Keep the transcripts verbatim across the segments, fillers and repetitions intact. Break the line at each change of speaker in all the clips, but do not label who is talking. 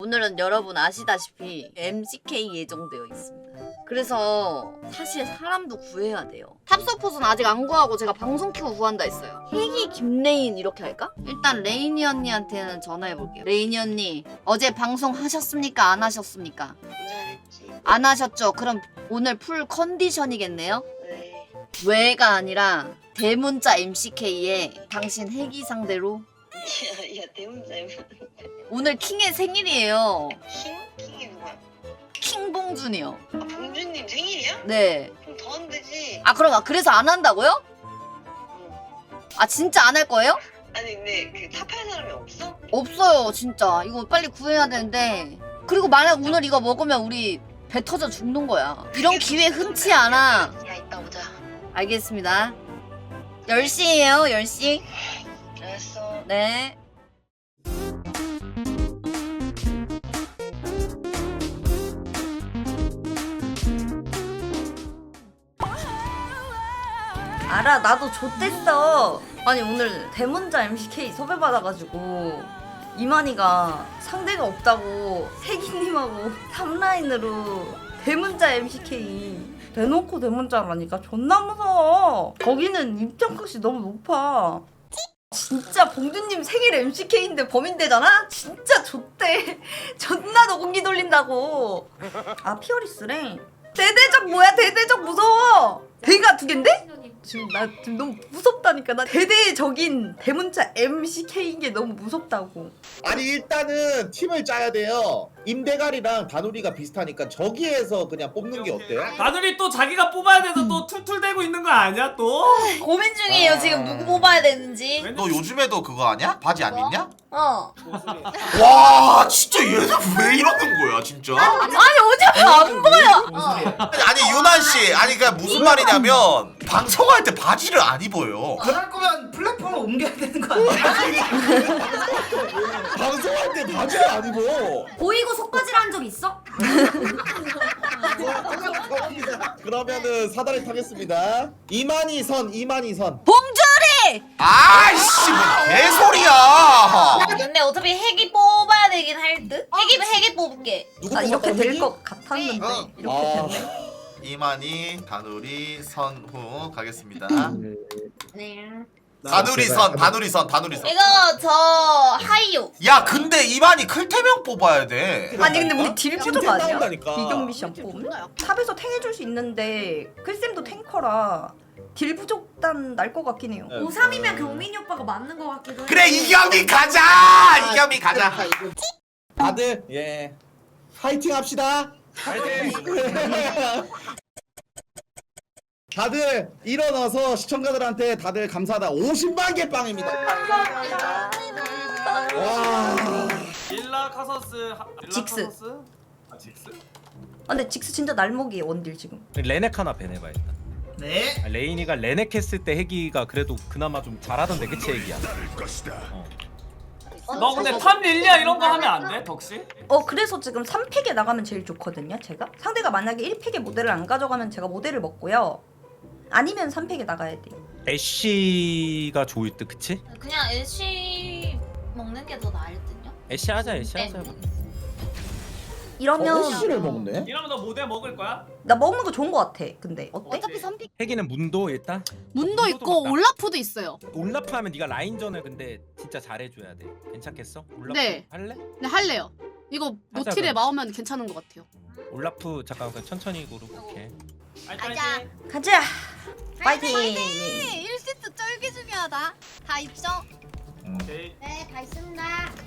오늘은 여러분 아시다시피 엠씨케이 예정되어 있습니다. 그래서 사실 사람도 구해야 돼요. 탑서폿은 아직 안 구하고 제가 방송 키고 구한다 했어요. 희기 김레인 이렇게 할까? 일단 레이니 언니한테는 전화해볼게요. 레이니 언니 어제 방송 하셨습니까? 안 하셨습니까? 안 하셨죠? 그럼 오늘 풀 컨디션이겠네요?
네.
왜가 아니라 대문자 엠씨케이에 당신 회기 상대로
야, 야 대문자
오늘 킹의 생일이에요.
킹? 킹이 누구야?
킹봉준이요.
아 봉준님 생일이야?
네.
그럼 더 하면 되지.
아 그럼 그래서 안 한다고요?
응.
아 진짜 안 할 거예요?
아니 근데 그 탑할 사람이 없어?
없어요 진짜. 이거 빨리 구해야 되는데. 그리고 만약 오늘 이거 먹으면 우리 배 터져 죽는 거야. 이런 기회 흔치 않아.
야 이따 보자.
알겠습니다. 열 시예요 열 시.
알았어.
네.
알아 나도 좆됐어. 아니 오늘 대문자 엠씨케이 섭외받아가지고 이만희가 상대가 없다고 혜기님하고 탑라인으로 대문자 엠씨케이 대놓고 대문자라니까 존나 무서워. 거기는 입장값이 너무 높아. 진짜 봉준님 생일 엠씨케이인데 범인되잖아? 진짜 좆대. 존나 너 공기 돌린다고. 아 피어리스래. 대대적 뭐야 대대적 무서워. 대가 두 갠데? 지금 나 지금 너무 무섭다니까. 나 대대적인 대문자 엠씨케이인 게 너무 무섭다고.
아니 일단은 팀을 짜야 돼요. 임대갈이랑 다누리가 비슷하니까 저기에서 그냥 뽑는 게 어때요?
나들이 또 자기가 뽑아야 돼서 또 툴툴대고 있는 거 아니야 또?
고민 중이에요
아.
지금 누구 뽑아야 되는지.
너 요즘에도 그거 아니야? 바지 안 입냐?
어.
와 진짜 얘는 왜 이러는 거야 진짜?
아니 어제 안 보여. 어.
아니 유난씨 아니 그니까 무슨 말이냐면 방송할 때 바지를 안 입어요.
그럴 거면 플랫폼을 옮겨야 되는 거 아니야?
방송할 때 바지를 안 입어.
보이고 속바지를 한 적 있어?
그러면은 사다리 타겠습니다. 이만희 선, 이만희 선.
봉준이.
아이씨 뭐 개소리야.
근데 어차피 핵이 뽑아야 되긴 할 듯. 핵이 핵이 뽑을게.
누구
나 이렇게
뽑았다,
될
혜기?
것 같았는데
어.
이렇게
아.
됐네.
이만희, 다누리, 선후 가겠습니다.
네.
다누리 선, 다누리 선, 다누리 선.
이거 저 하이요.
야 근데 이만희 클태명 뽑아야 돼.
아니 근데 우리 딜 부족
템
아니야?
나온다니까.
비경 미션 뽑으면? 탑에서 탱해줄 수 있는데 클쌤도 탱커라 딜 부족단 날 것 같긴 해요.
네.
오삼이면 경민이 오빠가 맞는 것 같기도 해.
그래 이경민 가자. 이경민 가자.
다들 예 파이팅 합시다.
파이팅!
다들 일어나서 시청자들한테 다들 감사하다. 오십만 개 빵입니다. 와.
일라 카서스 하... 일라
직스.
카서스? 아 직스?
아 근데 직스 진짜 날먹이에요 원딜 지금.
레넥 하나 배내봐 일단.
네.
아, 레인이가 레넥 했을 때 해기가 그래도 그나마 좀 잘하던데 그치 해기야? 어.
너 근데 탑 릴리아 이런 거 하면 안 돼? 덕시?
어 그래서 지금 삼 팩에 나가면 제일 좋거든요 제가. 상대가 만약에 일 팩에 모델을 안 가져가면 제가 모델을 먹고요. 아니면 삼 팩에 나가야 돼요.
애쉬가 좋을 듯 그치?
그냥 애쉬 먹는 게 더 나을 듯요?
애쉬 하자 애쉬
네.
하자.
이러면
어시를 먹네.
이러면 너 모델 먹을 거야?
나 먹는 거 좋은 거 같아. 근데 어때?
어차피 선픽
해기는 문도 일단.
문도 있고
맞다.
올라프도 있어요.
올라프 하면 네가 라인전을 근데 진짜 잘해줘야 돼. 괜찮겠어? 올라프
네.
할래?
네 할래요. 이거
하자,
노틸에
그럼.
마오면 괜찮은 것 같아요.
올라프 잠깐 그냥 천천히 고르. 오케이.
가자.
가자. 파이팅.
일 세트 쩔기 중요하다. 다 입성.
오케이.
네, 다 있습니다.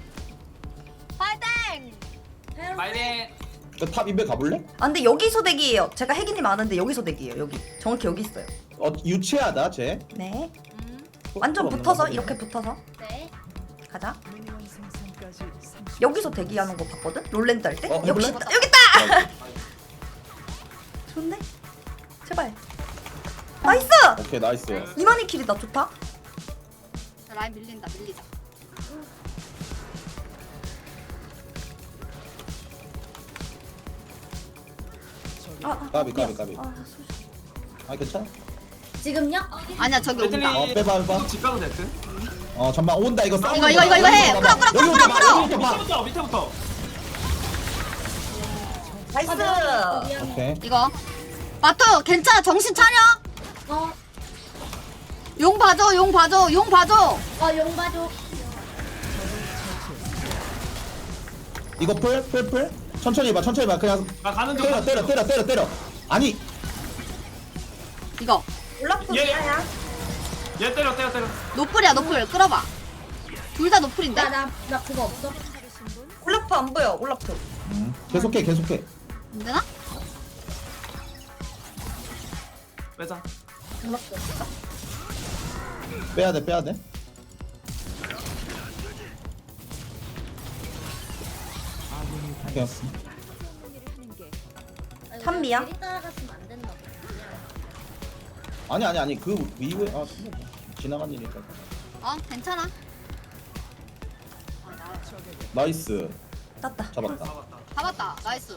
파이팅.
파이팅!
탑 인베 가볼래?
아 근데 여기서 대기예요. 제가 혜기님 아는데 여기서 대기예요. 여기 정확히 여기 있어요.
어 유치하다 쟤.
네. 완전 붙어서 이렇게 붙어서
네.
가자. 여기서 대기하는 거 봤거든? 롤랜드 할 때?
어,
여기
해볼래?
있다. 여기 있다. 좋네. 제발. 나이스.
오케이 나이스.
이만희 킬이다. 좋다.
라인 밀린다 밀리자.
아, 아,
까비 까비
미안.
까비.
아, 소리.
아 괜찮아?
지금요?
아니야 저기
애들이
온다.
어 빼봐 빼봐.
집 가도 될 듯?
어 잠만 온다 이거 싸움.
이거, 이거, 이거, 이거 해. 끌어, 끌어, 끌어, 끌어, 끌어.
밑에부터 밑에부터
나이스.
오케이.
이거 마토 괜찮아 정신 차려.
어,
용 봐줘 용 봐줘 용 봐줘.
어, 용 봐줘.
이거 풀, 풀, 풀. 천천히 해봐, 천천히 해봐. 그냥
나 가는 중.
때려, 때려, 때려, 때려, 때려. 아니,
이거
올라프
예.
미아야.
얘 때려 때려 때려.
노플이야 노플 끌어봐. 둘 다 노플인데.
나, 나, 나 그거 없어.
올라프 안 보여. 올라프.
음, 계속해, 계속해.
안 되나?
빼자.
빼야 돼, 빼야 돼. 오케이.
찬미야?
우리 따라갔으면 안 된다.
아니, 아니, 아니. 그 이후에 아, 지나간 일이니까.
어 괜찮아.
나이스.
땄다.
잡았다.
잡았다.
잡았다 나이스.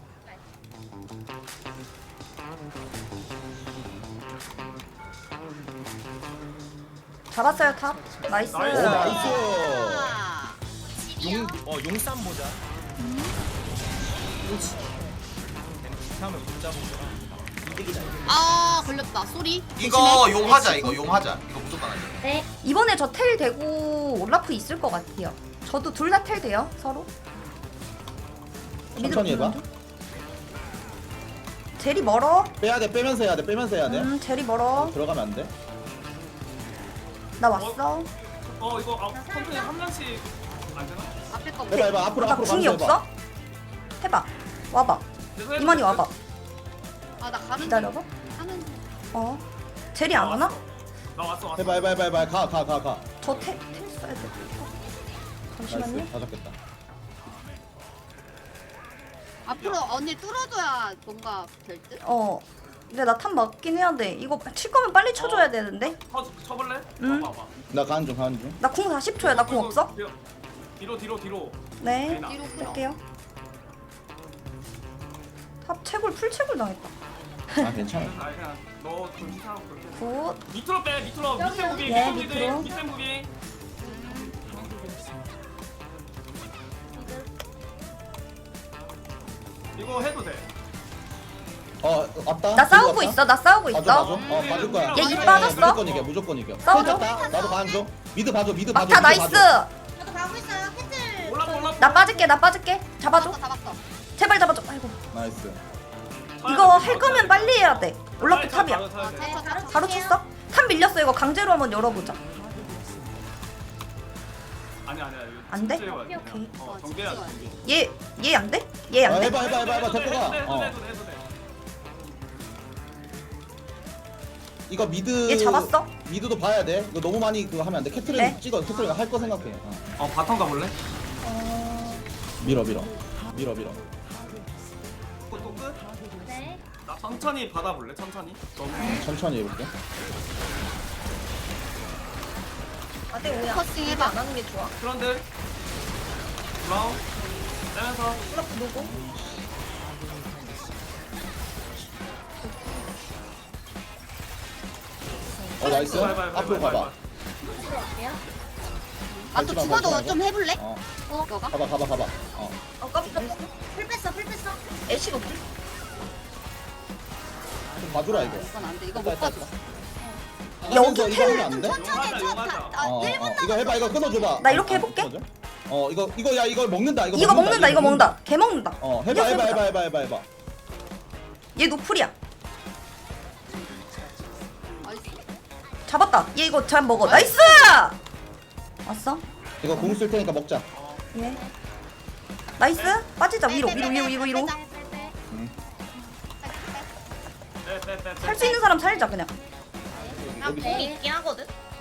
잡았어요 탑. 나이스.
나이스.
오, 나이스.
아,
용, 어 용쌈 모자. 하면 못 잡은 거라.
아 걸렸다 소리.
이거
조심해.
용하자 이거 용하자 이거 무조건 하자.
네.
이번에 저 텔 되고 올라프 있을 것 같아요. 저도 둘 다 텔 돼요 서로.
천천히 해봐.
제리 멀어.
빼야 돼, 빼면서 해야 돼, 빼면서 해야 돼.
음 제리 멀어.
들어가면 안 돼.
나 왔어.
어 이거 아, 컨트롤 한 명씩 안 되나?
앞에 거
해봐, 해봐. 앞으로,
나
앞으로
궁이
가면서 해봐.
없어? 해봐. 와봐.
그래서 해도
이만희
돼.
와봐.
아나 가는
기다려봐.
하는
어. 제리 안 오나?
나 왔어 왔어.
해봐, 해봐, 해봐, 해봐. 가, 가, 가, 가.
저 텔, 텔 써야 돼. 잠시만요.
나이스. 다 잡겠다.
앞으로 언니 뚫어줘야 뭔가 될 듯?
어. 근데 나 탑 맞긴 해야 돼. 이거 칠 거면 빨리 쳐줘야 되는데.
쳐 쳐볼래?
응.
봐봐. 봐.
나 가는 중, 가는 중.
나 궁 사십 초야. 나 궁 없어?
뒤로 뒤로 뒤로. 뒤로.
네.
뒤로.
뒤로 풀어.
뺄게요. 탑 채굴 풀 채굴 당했다.
아, 괜찮아.
아 그냥 너 정신차리고 그렇게.
굿.
밑으로 빼 밑으로 밑에 무기
네,
밑에 무기
밑으로.
밑에 무기. 이거 해도 돼.
어, 왔다.
나 싸우고
왔다.
있어. 나 싸우고
봐줘,
있어.
봐줘. 어, 봐줄 거야.
얘
입 빠졌어?
무조건 이겨, 무조건 이겨.
싸워줘.
됐다. 나도 가는 중. 미드 봐줘, 미드 봐줘.
막타
미드
나이스.
봐줘.
저도 가고 있어요. 캔슬.
올라 올라.
나 빠질게. 나 빠질게. 잡아줘.
잡았어 잡았어.
제발 잡아줘. 아이고.
나이스.
이거 할 거면 빨리 해야 돼. 올라프 탑이야.
네, 바로
바로
칠게요.
쳤어? 탑 밀렸어. 이거 강제로 한번 열어보자.
아니 아니야. 이거
안 돼?
진짜 해봐야 돼.
오케이.
어 정비해야 돼. 정비.
얘, 얘 안 돼? 얘
어,
안 돼?
해봐, 해봐, 해봐, 해봐. 데리고 가.
해도 돼, 해도
어.
돼, 해도 돼, 해도 돼.
이거 미드.
얘 잡았어?
미드도 봐야 돼. 이거 너무 많이 그거 하면 안 돼. 캐트린
네.
찍어. 캐트린 할 거 생각해. 어.
어 바텀 가볼래?
밀어, 밀어. 밀어, 밀어.
또, 또 끝?
네.
나 천천히 받아볼래? 천천히. 너무.
천천히 해볼게.
아대 오야.
포커싱 해봐.
안 하는 게 좋아.
그런데 브라운 떼면서
올라프 누구?
어, 나이스.
해봐, 해봐, 해봐,
앞으로
해봐,
가봐.
해봐.
들어갈게요.
아 또
밟지 마,
죽어도
밟지
좀 해볼래?
어,
이거가?
가봐, 가봐, 가봐. 어.
어 깜짝.
풀 뺐어, 풀 뺐어.
애쉬가 없지?
좀 봐주라, 이거.
이건 안 돼. 이거
됐다,
못 봐줘.
됐다.
여기
이거 하면 안 돼?
천천히
용하자,
쳐.
용하자.
아,
어,
일 분
어, 이거 해봐, 이거 끊어줘봐.
나 이렇게
어,
해볼게.
끊어줘. 어, 이거, 이거, 야, 이거 먹는다, 이거
이거 먹는다. 이거 먹는다. 개 먹는다.
어, 해봐, 해봐, 해봐, 해봐, 해봐, 해봐.
얘 노플이야.
나이스.
잡았다. 얘 이거 잘 먹어. 나이스. 왔어?
이거 공 쓸 테니까 먹자.
예. 나이스. 빠지자. 위로, 위로, 위로, 위로, 위로.
빼, 빼, 빼, 빼.
살 수 있는 사람 살자 그냥.
여기
네.
있긴 하거든.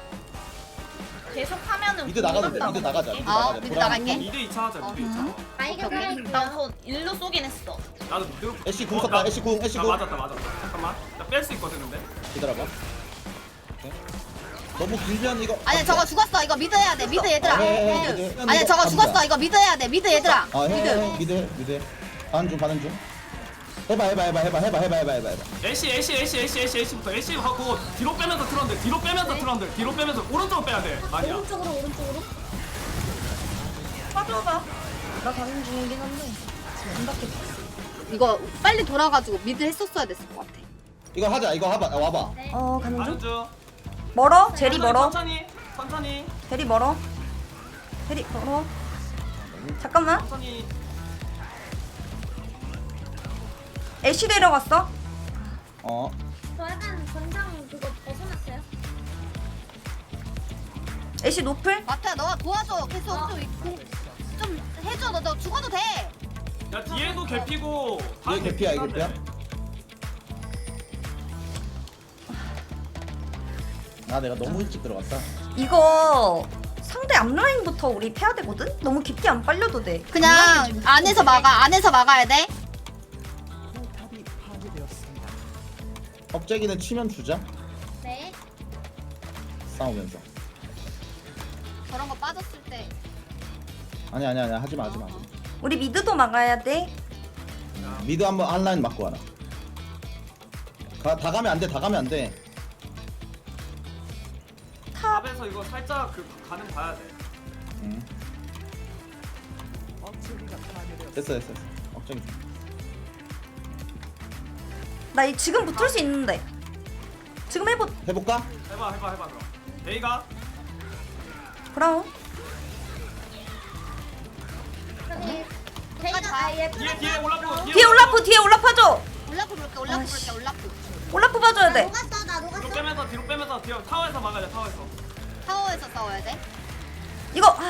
계속 하면은
미드 나가도 돼, 미드 나가자. 미드
아,
나가자.
미드
보라.
나갈게.
미드 이 차 하자. 미드 이 차.
음.
아이가
오케이, 오케이.
살아있고요.
나저 일로 쏘긴 했어.
나도 미드.
애쉬 궁
어,
썼다,
나-
애쉬 궁, 애쉬
나
궁.
맞았다 맞았다. 잠깐만. 나 뺄 수 있거든 근데.
기다려봐. 오케이. 너무 길면 이거.
아니야 저거 죽었어. 이거 미드 해야 돼. 미드 얘들아.
아, 해, 해, 해, 해.
아니야 저거
갑니다.
죽었어. 이거 미드 해야 돼. 미드 얘들아.
아, 해,
미드.
해, 미드, 해, 미드. 해. 가는 중, 가는 중. 해봐, 해봐, 해봐, 해봐, 해봐, 해봐, 해봐, 해봐, 해봐.
애쉬 애쉬 애쉬 애쉬 애쉬 애쉬부터 애쉬 하고 뒤로 빼면서 트런들 뒤로 빼면서 트런들 뒤로 빼면서 오른쪽으로 빼야 돼. 아니야.
오른쪽으로, 오른쪽으로.
빠져봐. 나 가는 중이긴 한데 안 닿겠어.
이거 빨리 돌아가지고 미드 했었어야 됐을 것 같아.
이거 하자. 이거 와봐. 아, 와봐.
어 가는 중.
가는 중.
멀어? 제리 멀어?
천천히 천천히
제리 멀어? 제리 멀어? 잠깐만.
천천히.
애쉬 데려갔어?
어.
저 약간 권장 그거 벗어났어요?
애쉬 노플?
마트야 너가 도와줘. 계속 좀, 이- 좀 해줘. 너, 너 죽어도 돼.
야 뒤에도 개피고.
뒤에 개피야, 이거 개피야? 아 내가 너무 일찍 들어갔다.
이거 상대 앞라인부터 우리 패야 되거든? 너무 깊게 안 빨려도 돼.
그냥 안에서 막아. 안에서 막아야 돼.
겁재기는 치면 주자.
네.
싸우면서.
저런 거 빠졌을 때.
아니 아니 아니 하지 마 하지 마.
우리 미드도 막아야 돼.
미드 한번 한라인 맞고 와라. 가, 다 가면 안 돼. 다 가면 안 돼.
탑.
탑에서 이거 살짝 그 가능 봐야 돼.
응. 됐어 됐어 됐어. 억제기 좀.
나 이 지금 붙을 수 있는데. 지금 해보.
해볼까?
해봐 해봐 해봐 그럼. 베이가
브라운.
저기 제이가 아예
뒤에 뒤에 올라프
뒤에 올라프 뒤에 올라프 하죠.
올라프 볼게. 올라프
아이씨.
볼게. 올라프.
올라프 봐줘야 돼.
녹았어 나
뒤로
녹았어.
빼면서 뒤로 빼면서 뒤로 타워에서 막아야 돼 타워에서.
타워에서 싸워야 돼.
이거 아.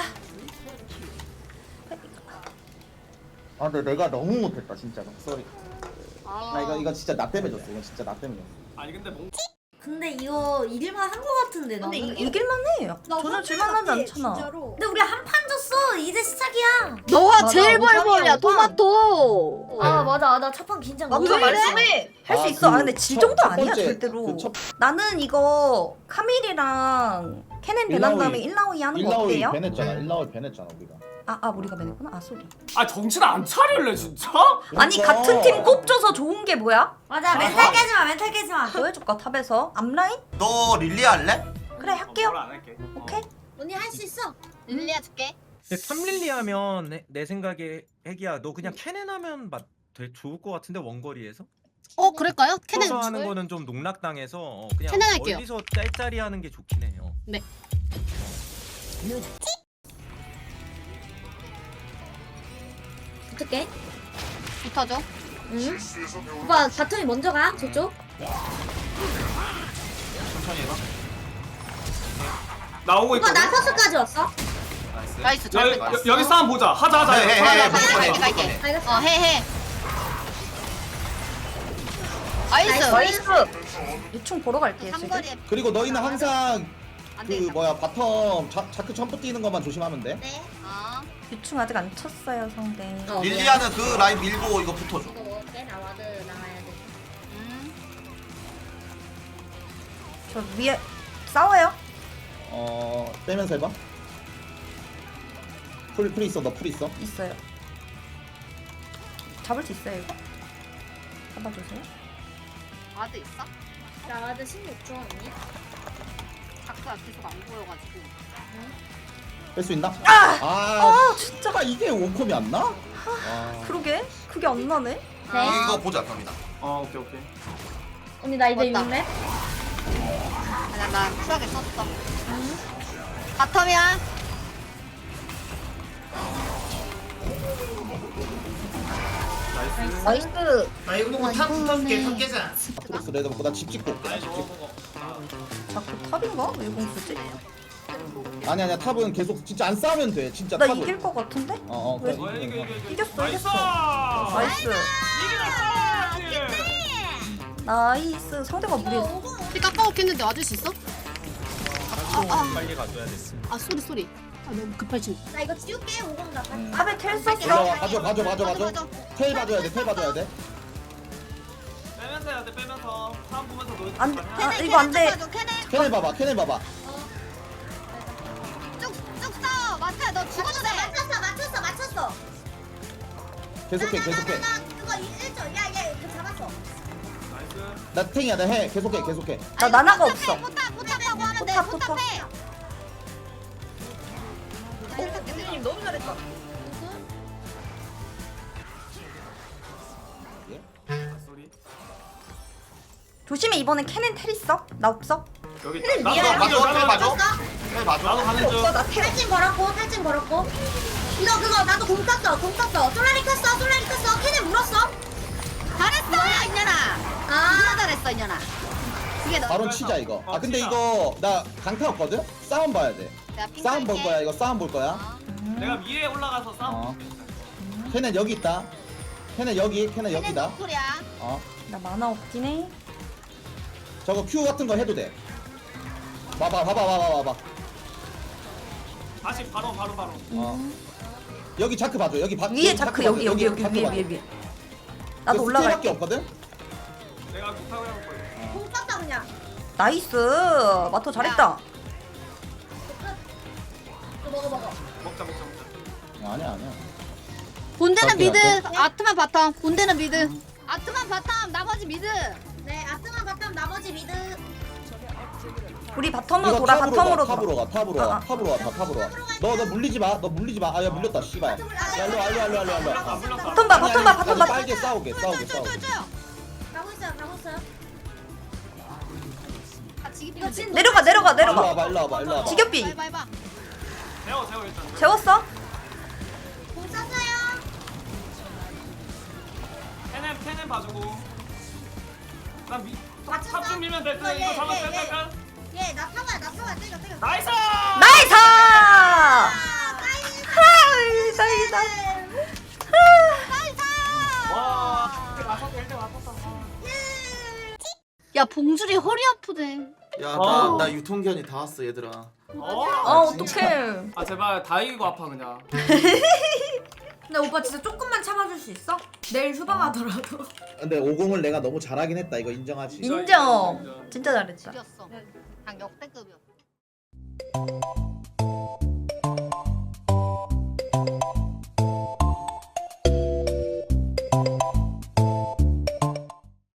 아 근데 내가 너무 못했다 진짜로. 쏘리.
아.
나 이거 이거 진짜 나 때문에 졌어. 이거 진짜 나 때문에 졌어.
아니 근데 몽
근데 이거 이길만 한 거 같은데
근데
나는.
이, 이길만 해. 전혀 줄만하지 않잖아.
근데 우리 한 판 졌어. 이제 시작이야.
너가
맞아,
제일
오판이야,
벌벌이야.
오판.
토마토.
아 맞아 나 첫 판 긴장 너무
맞아
왜 이래?
말씀해. 할 수
아,
있어. 아
그
근데 지
첫-
정도
첫
아니야
번째,
절대로.
그 첫-
나는 이거 카밀이랑 케넨 배난 다음에 일라오이 하는 거
일라오이
어때요?
배냈잖아. 일라오이 배냈잖아 우리가.
아, 아 우리가 배냈구나. 아 쏘리.
아 정신 안 차릴래 진짜?
아니
그러니까.
같은 팀 꼽줘서 좋은 게 뭐야?
맞아 멘탈 깨지 마 멘탈 깨지 마.
뭐 해줄까 탑에서? 앞라인?
너 릴리 할래?
그래 할게요.
뭘 안 할게.
오케이.
언니 할 수 있어.
릴리아 줄게.
근데 삼릴리 하면 내, 내 생각에 핵이야. 너 그냥 캐넨 하면 맞, 되게 좋을 것 같은데 원거리에서?
어 그럴까요? 캐넨.
서서 하는 거는 좀 농락당해서 어, 그냥
캐넨 할게요.
멀리서 짤짤이 하는 게 좋긴 해요.
네.
어떡해?
붙어줘.
응? 오빠 바텀이 먼저 가 저쪽.
천천히 해봐.
나오고
오빠
있거든.
나 서스까지 왔어.
나이스.
나이스. 잘
여,
뺐다.
여, 여기 싸움 보자. 하자 하자.
해, 해,
하자,
해,
하자.
무조건 해,
갈게 갈게
무조건
갈게.
해.
알겠어.
어 해해. 나이스.
나이스.
유충 보러 갈게요 지금.
삼거리에
그리고 너희는 항상
안
그
되겠다.
뭐야 바텀 자, 자크 점프 뛰는 것만 조심하면 돼.
네.
아.
유충 아직 안 쳤어요 상대.
어,
릴리아는 그 라인 밀고 이거 붙어줘.
이거 먹을게. 나 와드 나가야 돼.
음.
저 위에 싸워요.
어 빼면서 해봐. 풀, 풀 있어. 너 풀 있어.
있어요. 잡을 수 있어요 이거? 잡아주세요.
와드 있어?
나 와드 십육 초 언니.
다크가 계속 안 보여가지고.
뺄 수 있나?
아!
아,
아 진짜.
아 이게 원콤이 안 나? 아.
그러게 그게 안 나네.
네.
이거 보자 갑니다.
어 오케이 오케이.
언니 나 이제
맞다.
육 렙.
아니야 나 쿨하게 썼어. 바텀이야.
나이스.
나이스.
나 이거 보고 탑 붙어줄게. 탑 깨자.
아트록스 레드 먹고 나 집 찍고 올게. 나집 찍고.
자꾸 탑인가? 왜 공수지?
아니 아니야 탑은 계속 진짜 안 싸우면 돼. 진짜
나
탑은.
이길 것 같은데?
어어
왜?
그래.
어, 이겨, 이겨, 이겨.
이겼어,
나이스.
이겼어. 나이스.
이기다.
나이스. 상대가 무리했어.
피 깎아먹겠는데 와줄 수 있어?
좀 빨리 가줘야 됐어.
아 쏘리 쏘리. 아 너무 급할지.
나 이거 지울게. 오공 나.
음.
탑에 텔
올라와
썼어.
가져 가져 가져 가져. 텔 봐줘야 돼. 텔 봐줘야 돼.
빼면서 해야 돼 빼면서. 사람 보면서 노.
안 돼. 아 이거 안 돼.
캐네
캐넬 봐봐. 캐넬 봐봐.
쭉쭉 싸워. 마트야 너 죽어도 돼.
맞췄어 맞췄어 맞췄어.
계속해 계속해.
나 그거 일조. 야야 그 잡았어.
나이스.
나 탱이야. 나 해. 계속해 계속해.
나 나나가 없어.
포탑 포탑하고 하면 돼.
포탑,
포탑해.
선생님 너무 잘했다. 조심해 이번엔 캐넨 텔 있어? 나 없어?
여기
텔
나도
미안해.
나도
봐줘,
나도
봐줘.
떴어?
해 봐줘.
나도 가는 중.
탈진 걸었고 탈진 걸었고. 이거 그거 나도 공 떴어 공 떴어. 솔라리 켰어 솔라리 켰어. 캐넨 물었어. 잘했어 이년아. 아 잘했어 이년아. 그게 너.
바론 치자 이거.
어,
아 근데
치자.
이거 나 강타 없거든? 싸움 봐야 돼.
내가 핑
싸움 볼
깔게.
거야 이거 싸움 볼 거야.
내가 위에 올라가서 싸움.
어. 걔네 여기 있다. 걔네 여기, 걔네
캐넨
여기다.
노플이야.
어.
나 만화 없긴 해.
저거 Q 같은 거 해도 돼. 봐봐, 봐봐, 봐봐, 봐봐.
다시 바로 바로 바로.
어. 여기 자크 봐줘. 여기 바,
위에
여기
자크
봐줘.
여기 여기 여기
자크
위에
봐줘.
위에 위에.
그
나도
스킬밖에
올라갈게.
없거든?
내가 못하고 해볼 거야.
공 떴어 그냥.
나이스. 마토 잘했다.
이거 먹어 먹어.
먹자 먹자 먹자.
아니야, 아니야.
본대는
갈게,
미드,
갈게.
아트만 바텀. 본대는 미드. 아트만 바텀, 나머지 미드.
네 아트만 바텀 나머지 미드.
우리 바텀으로
이거
돌아.
탑으로
바텀으로
가,
돌아.
탑으로 가, 탑으로
아,
가,
아.
탑으로 가, 다 탑으로 가. 너, 너 물리지 마, 너 물리지 마. 아, 야 물렸다, 씨발. 야, 일로 와, 일로 와, 일로 와, 일로 와.
아 물렸다.
바텀 봐.
아니,
바텀 봐.
아니,
바텀
아니,
봐.
빨개 싸우게, 싸우게, 싸우게.
가고 있어요 가고 있어요.
같이
이거 진
내려가 내려가
일로
내려가.
와봐, 일로 와봐, 일로 와봐.
지겹비.
해봐, 해봐.
세워 세워 일단.
재웠어?
공 쐈어요.
캐넨 캐넨 봐주고. 난 미.
맞췄어?
탑좀 밀면 돼.
어,
이거
예,
잡아
예,
빼 빼 빼.
예, 나 타봐야, 나 타봐야, 때려, 때려.
나이스.
나이스!
아, 나이스!
나이스 나이스.
와. 맞았다 일 등 맞았다.
야, 봉줄이 허리 아프대.
야,
어.
나, 나 유통기한이 다 왔어, 얘들아.
어.
아 어떡해.
아 제발 다 이기고 아파 그냥.
근데 오빠 진짜 조금만 참아줄 수 있어? 내일 휴방하더라도.
근데 오공을 내가 너무 잘하긴 했다. 이거 인정하지.
인정. 진짜 잘했다.
죽였어. 당 역대급이었어.